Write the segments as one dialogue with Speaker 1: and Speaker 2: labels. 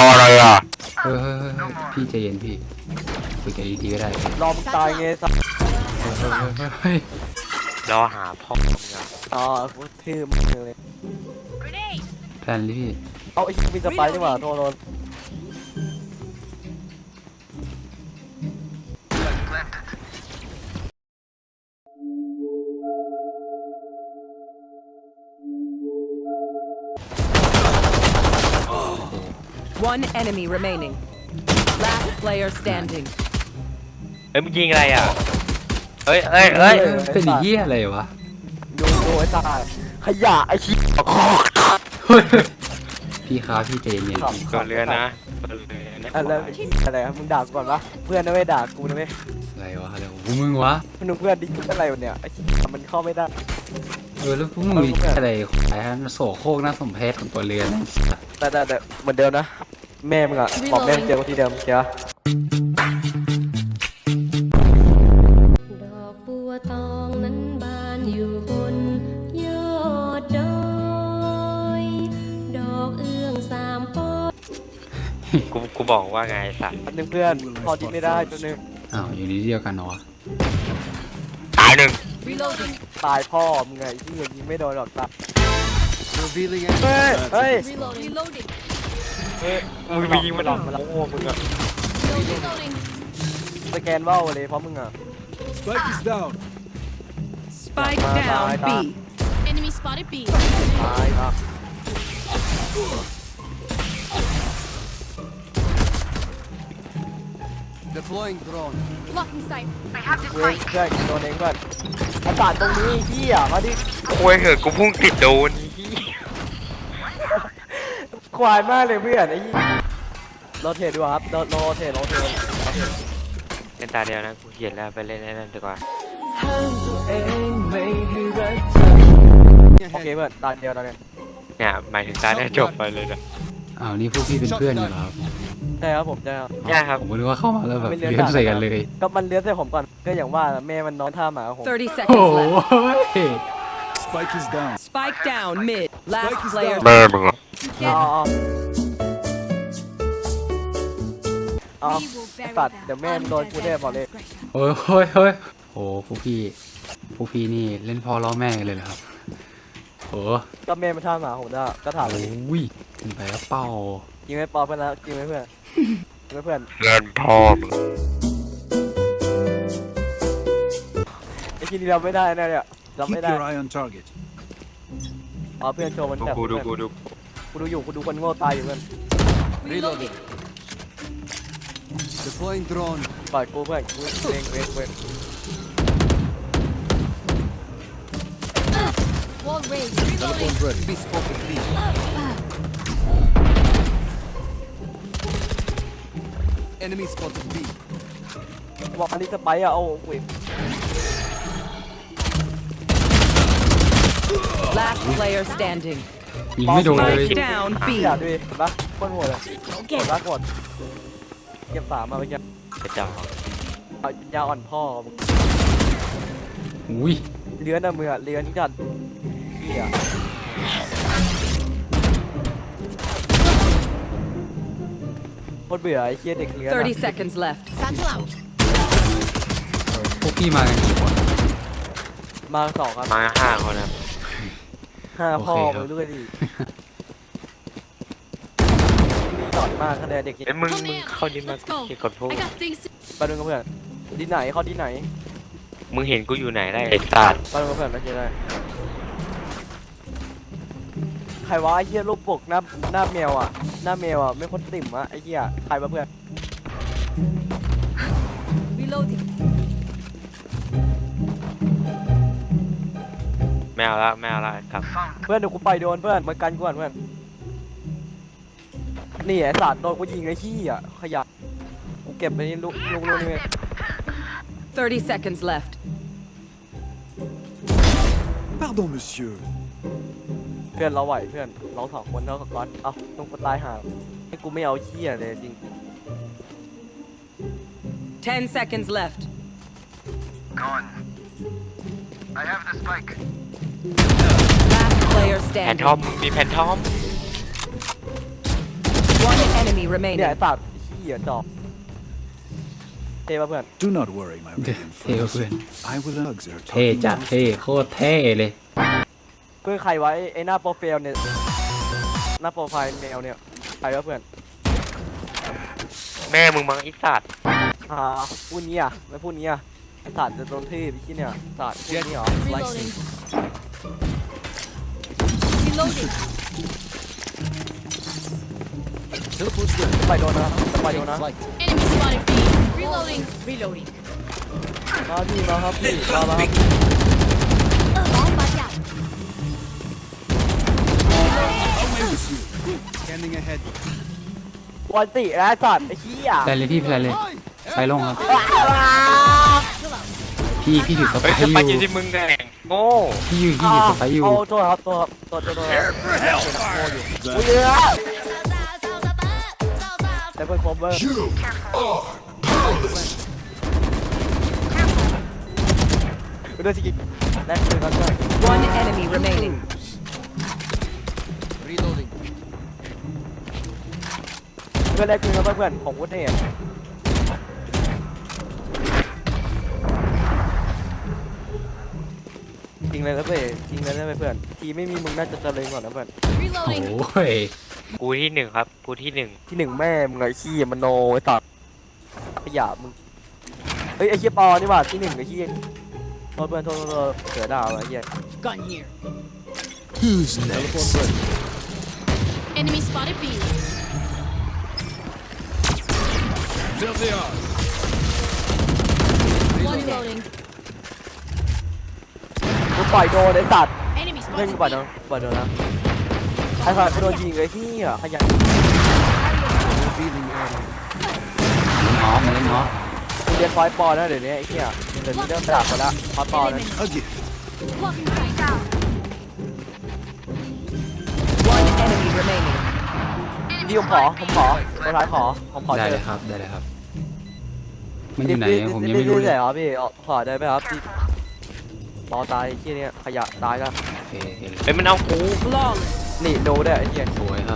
Speaker 1: ออะไรอ่ะ
Speaker 2: เฮ้ยพี่ใจเย็นพี่คุยกันดีๆก็ได้เฮ้ย
Speaker 3: รอมตายไงสัส
Speaker 2: เฮ้ย
Speaker 1: รอหาพ่อมึงอ่ะ
Speaker 3: อ๋อกูทื่อมึงเลย
Speaker 2: แพลนเลยพี่
Speaker 3: เอาไอ้มีสไปร์ดีกว่าโทรโดน
Speaker 4: One enemy remaining. Last player standing.
Speaker 1: เฮ้ยมึงยิงอะไรอ่ะเฮ้ย
Speaker 2: เป็นเหี้ยอะไรวะ
Speaker 3: ดูไอ้ตายขยะไอ้ชี้
Speaker 2: พี่ครับพี่ใจเย็น
Speaker 1: ก่อนเรือนะก่อนเรือนะ
Speaker 3: อะไรครับมึงด่ากูก่อนปะเพื่อนนะไม่ด่ากูนะไม่
Speaker 2: อะไรวะอะไรของพวกมึงวะ
Speaker 3: เพื่อนดิจุอะไรวะเนี่ยไอ้ชี้มันเข้าไม่ได้
Speaker 2: แล้วพวกมึงมีอะไรขายโสโครกน่าสมเพชของตัวเรือน
Speaker 3: แต่เหมือนเดิมนะแม่มึงอะบอกแม่มึงเจอกูที่เดิมเจ้า
Speaker 5: ดอกบัวตองนั้นบานอยู่บนยอดดอยดอกเอื้องสามปอ
Speaker 1: กูบอกว่าไงสัตว์
Speaker 3: อันนึงเพื่อนพอที่ไม่ได้ตัวนึง
Speaker 2: อ้าวอยู่นี่เดียวกันเนาะ
Speaker 1: ตายหนึ่ง
Speaker 4: Reloading.
Speaker 3: ตายพ่อมึงไงที่ยิงไม่โดนหรอกตา
Speaker 6: Revealing
Speaker 3: เฮ้ย เฮ้ย
Speaker 4: Reloading.
Speaker 3: เฮ้ย
Speaker 1: มึงไปยิงมันหรอกมันโง่มึงอ่ะ
Speaker 4: Reloading.
Speaker 3: สแกนว่าวเลยเพราะมึงอ่ะ
Speaker 6: Spike is down.
Speaker 4: Spike
Speaker 3: Bye,
Speaker 4: down
Speaker 3: bye,
Speaker 4: B.
Speaker 7: Enemy spotted B.
Speaker 3: ตายครับ
Speaker 6: Deploying drone.
Speaker 7: Blocking sight.
Speaker 3: เว้ยเพื่อนโดนเองเพื่อนอากาศตรงนี้พี่อ่ะมาดิ
Speaker 1: โอ้ยเหอะกูพุ่งติดโดน
Speaker 3: ควายมากเลยเพื่อนไอ้ยี่โรเทตดีกว่าครับโรเทต
Speaker 1: เล่นตาเดียวนะกูเขียนแล้วไปเล่นไอ้นั่นดีกว่า
Speaker 3: โอเคเพื่อนตาเดียวตาเดียว
Speaker 1: เนี่ยหมายถึงตาเนี่ยจบไปเลยนะ
Speaker 2: อ้าวนี่พวกพี่เป็นเพื่อนกันเหรอครับ
Speaker 3: ใช่ครับผมใช่ครับ
Speaker 1: ใช่ครับ
Speaker 2: ผมก็นึกว่าเข้ามาแล้วแบบเลี้ยงใส่กันเลย
Speaker 3: ก็มันเลี้ยงใส่ผมก่อนก็อย่างว่าแม่มันนอนท่าหมาผม
Speaker 4: 30
Speaker 2: โอ้
Speaker 4: seconds
Speaker 2: โห
Speaker 4: left.
Speaker 6: Spike is down.
Speaker 4: Spike down mid. Last
Speaker 6: Spike is
Speaker 4: player.
Speaker 6: down.
Speaker 1: แม่มึงอ่ะ
Speaker 3: เอา
Speaker 7: We will bury
Speaker 3: ตัด
Speaker 7: them
Speaker 3: เดี๋ยวแม่มันโดนกูแน่บอกเลย
Speaker 2: โอ้ยโอ้พวกพี่นี่เล่นพ่อล้อแม่กันเลยเหรอครับโอ้
Speaker 3: ก็แม่มันท่าหมาผมได้ก็ถามเลย
Speaker 2: โอ้ยขึ้นไปแล้วเป้า
Speaker 3: กินไม่ปอเพื่อนแล้วกินไม่เพื่อนกินไม่เพื่อน
Speaker 1: เงินพ่อมึง
Speaker 3: ไอ้ทีนี้เราไม่ได้นะเนี่ยเรา
Speaker 6: Keep
Speaker 3: ไม่ได้
Speaker 6: your eye on target.
Speaker 3: อ๋อเพื่อนโชว์มันแบบ
Speaker 1: กูดู
Speaker 3: กูดูอยู่กูดูคนโง่ตายอยู่เพื่อน
Speaker 4: Reloading.
Speaker 6: Deploying drone.
Speaker 3: ปล่อยกูเพื่อนกูเองเว้ย
Speaker 7: Wall raised.
Speaker 6: Teleport ready. Be spotted B. Enemy spotted B.
Speaker 3: บอกอันนี้สไปร์อะเอาเว้ย
Speaker 4: Last player standing.
Speaker 2: ยิงไม่โดนเลย
Speaker 4: Spike down
Speaker 3: พี่
Speaker 4: B.
Speaker 3: อยากดูดิเห็นปะโคตรโหดเลยโหดมากโหดเก็บสามมาไปเก็บ
Speaker 1: กระจอก
Speaker 3: เอายาอ่อนพ่อมึง
Speaker 2: อุ้ย
Speaker 3: เลื้อนอะมืออะเลื้อนจัดเหี้ยโคตรเบื่อไอ้เหี้ยเด็กเลื้อนอะ
Speaker 4: 30 seconds left.
Speaker 7: Satchel out.
Speaker 2: พวกพี่มากันกี่คน
Speaker 3: มาสองครับ
Speaker 1: มา5 คนครับ
Speaker 3: ห้าพ่อ
Speaker 2: โอเคครับ
Speaker 3: ไปด้วยดินี่ตอดมากคะแนนเด็ก
Speaker 1: เอ้ยมึงเข้าดินมาที่กดพูด
Speaker 7: I got things to
Speaker 3: ไปดูกับเพื่อนดีไหนเขาดีไหน
Speaker 1: มึงเห็นกูอยู่ไหนได้ไอ้สัตว์
Speaker 3: ไปดูกับเพื่อนไม่ใช่ได้ใครวะไอ้เหี้ยรูปปกหน้าแมวอ่ะหน้าแมวอ่ะไม่คนติ่มอ่ะไอ้เหี้ยใครวะเพื่อน
Speaker 4: Reloading.
Speaker 1: ไม่เอาละครับ
Speaker 3: เพื่อนเดี๋ยวกูไปโดนเพื่อนมากันกูก่อนเพื่อนนี่ไอ้สัตว์โดนกูยิงไอ้ขี้อ่ะขยะกูเก็บไปนี่ลูกนี่
Speaker 4: 30 seconds left.
Speaker 6: Pardon, monsieur.
Speaker 3: เพื่อนเราไหวเพื่อนเราสองคนเท่ากับก๊อตเอ้าต้องกูตายห่าให้กูไม่เอาขี้อ่ะเลยจริง
Speaker 4: 10 seconds left.
Speaker 8: I have the spike.
Speaker 4: Last player
Speaker 1: แพน
Speaker 4: standing.
Speaker 1: ทอมมีแพนทอม
Speaker 4: One enemy
Speaker 3: เนี่ย
Speaker 4: remaining.
Speaker 3: ไอ้สัตว์เหี้ยจอบเท่ป่ะเพื่อน
Speaker 6: Do not worry, my
Speaker 2: เดี๋ยว
Speaker 6: radiant
Speaker 2: เท่กว่า
Speaker 6: friends.
Speaker 2: เพื่อน
Speaker 6: I will hugs are
Speaker 2: เท่
Speaker 6: talking
Speaker 2: จัด
Speaker 6: about
Speaker 2: เท่โคตรเท่เลย
Speaker 3: เพื่อนใครไว้ไอ้หน้าโปรไฟล์เนี่ยหน้าโปรไฟล์เมลเนี่ยใครวะเพื่อน
Speaker 1: แม่มึงมังไอีสัตว์
Speaker 3: พูดนี้อ่ะไม่พูดนี้อ่ะไอ้สัตว์จะโดนทื่อพี่ขี้เนี่ยสัตว์พูดนี้เหรอ
Speaker 7: Reloading. Reloading.
Speaker 6: Teleport's ready.
Speaker 3: ไปโดนนะไปโดนนะ
Speaker 6: Flight.
Speaker 7: Enemy spotted B. Reloading. Reloading.
Speaker 3: มาพี่มาครับพี่มาครับ
Speaker 7: Bomb back out.
Speaker 6: Away with you. Scanning ahead.
Speaker 3: วันตินะไอ้สัตว์ไอ้ขี้อ่ะ
Speaker 2: ไปเลยพี่ไปเลยไปลงครับ พี่ถือสไป
Speaker 1: เฮ้ย
Speaker 2: ร์
Speaker 1: สไป
Speaker 2: อ
Speaker 1: อยู่
Speaker 2: ยู่
Speaker 1: ที่มึงแน่โง่
Speaker 2: พี่ถือสไปร์อยู่
Speaker 3: เอาตัวครับตัวอุ้ยเยอะแต่เพื่อนคอมเบอร์เรื่องสกิลแรกเลยครับเพื่อน
Speaker 4: One enemy remaining.
Speaker 6: Reloading.
Speaker 3: เพื่อนแรกคือครับเพื่อนของวุฒิเนี่ยจริงเลยนะเพื่อนจริงเลยนะเพื่อนทีไม่มีมึงน่าจะเจริญกว่านะเพื่อน
Speaker 2: โอ้
Speaker 7: Reloading.
Speaker 2: ย
Speaker 1: กูที่หนึ่งครับกูที่หนึ่ง
Speaker 3: ที่หนึ่งแม่มึงไอ้ขี้มันโนไอ้สัตว์ขยะมึงเฮ้ยไอ้ขี้ปอนี่หว่าที่หนึ่งไอ้ขี้โทษเพื่อนโทษเสือดาวไอ้เหี้ย
Speaker 7: Gun here.
Speaker 6: Who's next?
Speaker 7: Enemy spotted B.
Speaker 6: There they are.
Speaker 7: One reloading.
Speaker 3: กูปล่อยโดนไอ้สัตว์
Speaker 7: Enemy
Speaker 3: เพื่อน
Speaker 7: spotted
Speaker 3: กูปล่อยโดน
Speaker 7: B.
Speaker 3: ปล่อยโดนนะไอ้สัตว์กูโดนยิงไอ้ขี้อ่ะขยะ
Speaker 6: Revealing area.
Speaker 2: น้องมาเล่นเนาะ
Speaker 3: กูเรียนปอยปอนะเดี๋ยวนี้ไอ้ขี้อ่ะเดี๋ยวนี้เริ่มดาบไปละปอปอนะ
Speaker 6: A gift.
Speaker 7: Blocking sight.
Speaker 4: One enemy remaining.
Speaker 3: พี่ผมขอตัวท้ายขอผมขอ
Speaker 2: ได้
Speaker 3: เจ
Speaker 2: เล
Speaker 3: อย
Speaker 2: ครับได้เลยครับ มันอยู่ไหนอะผมยังไม่รู้
Speaker 3: เล
Speaker 2: เลย ย
Speaker 3: เหรอพี่ขอได้ไหมครับพี่ปอตายไอ้ขี้เนี่ยขยะตายแล้ว
Speaker 2: โอเคเห็นเลย
Speaker 1: เฮ้ยมันเอากู
Speaker 4: Flawless.
Speaker 3: นี่ดูได้วยไอ้เหี้ย
Speaker 2: สวยครับ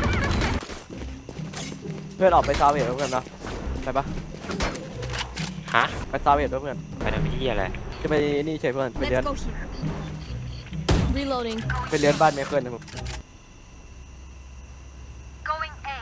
Speaker 3: เพื่อนออกไปซาเวทด้วยกันนะไปปะ
Speaker 1: ฮะ
Speaker 3: ไปซาเวทด้วยเพื่อน
Speaker 1: ไปทำที่อะไร
Speaker 3: จะไปนี่เฉยเพื่อนไป
Speaker 7: Let's
Speaker 3: เรียน
Speaker 7: go here. Reloading.
Speaker 3: ไปเรียนบ้านเมเคิลนะผม
Speaker 8: Going A.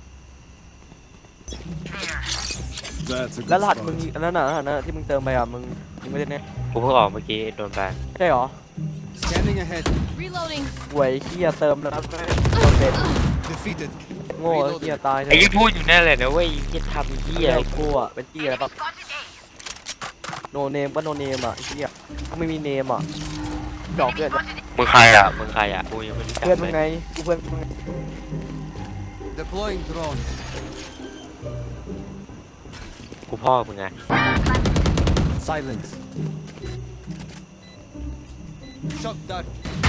Speaker 6: That's a good
Speaker 3: แล้วรหัส
Speaker 6: spot.
Speaker 3: มึงอันนั้นน่ะที่มึงเติมไปอ่ะมึงไม่ได้เนี่ย
Speaker 1: กูเพิ่งออกเมื่อกี้โดนแบน
Speaker 3: ใช่หรอ
Speaker 6: Scanning ahead.
Speaker 7: Reloading.
Speaker 3: หวยเหี้ยเติมแล้วนะโดนเบ็ด
Speaker 6: Defeated.
Speaker 3: โง่เหี้ยตายเล
Speaker 1: ไอ้
Speaker 3: ย
Speaker 1: ที่พูดอยู่นั่นแหละนะเว้ยที่ทำที่
Speaker 3: เหี้ย
Speaker 1: อะไร
Speaker 3: กูอ่ะเป็นเหี้ยอะไรปะ
Speaker 8: Spotted A.
Speaker 3: โนเนมก็โนเนมอ่ะไอ้เหี้ยกูไม่มีเนมอ่ะจอกเพื่อน
Speaker 1: มึงใครอ่ะมึงใครอ่ะกูยังไม่รู้จัก
Speaker 3: เพื่อนมึง
Speaker 1: เล
Speaker 3: ไง
Speaker 1: ย
Speaker 3: กูเพื่อนมึงไง
Speaker 6: Deploying drone.
Speaker 1: กูพ่อมึงไง
Speaker 6: Silence. Shock dart.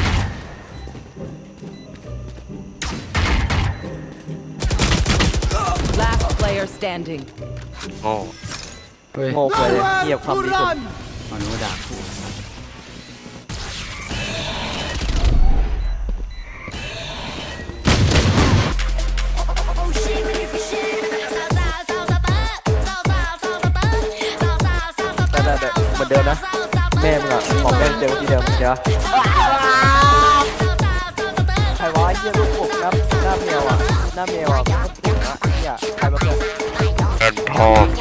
Speaker 4: Last player standing.
Speaker 1: โง่
Speaker 2: เฮ้ย
Speaker 3: โง่ไปเลยเหี้ยความดีสุด
Speaker 2: มาโน้ด่ากู
Speaker 3: แต่เหมือนเดิมนะแม่มึงอ่ะของแม่เจอที่เดิมเดี๋ยวใครวะเหี้ยลูกกบหน้าแมวอ่ะหน้าแมวอ่ะก็ปวดนะเหี้ยใครมาเพื่อน
Speaker 1: เงินทอง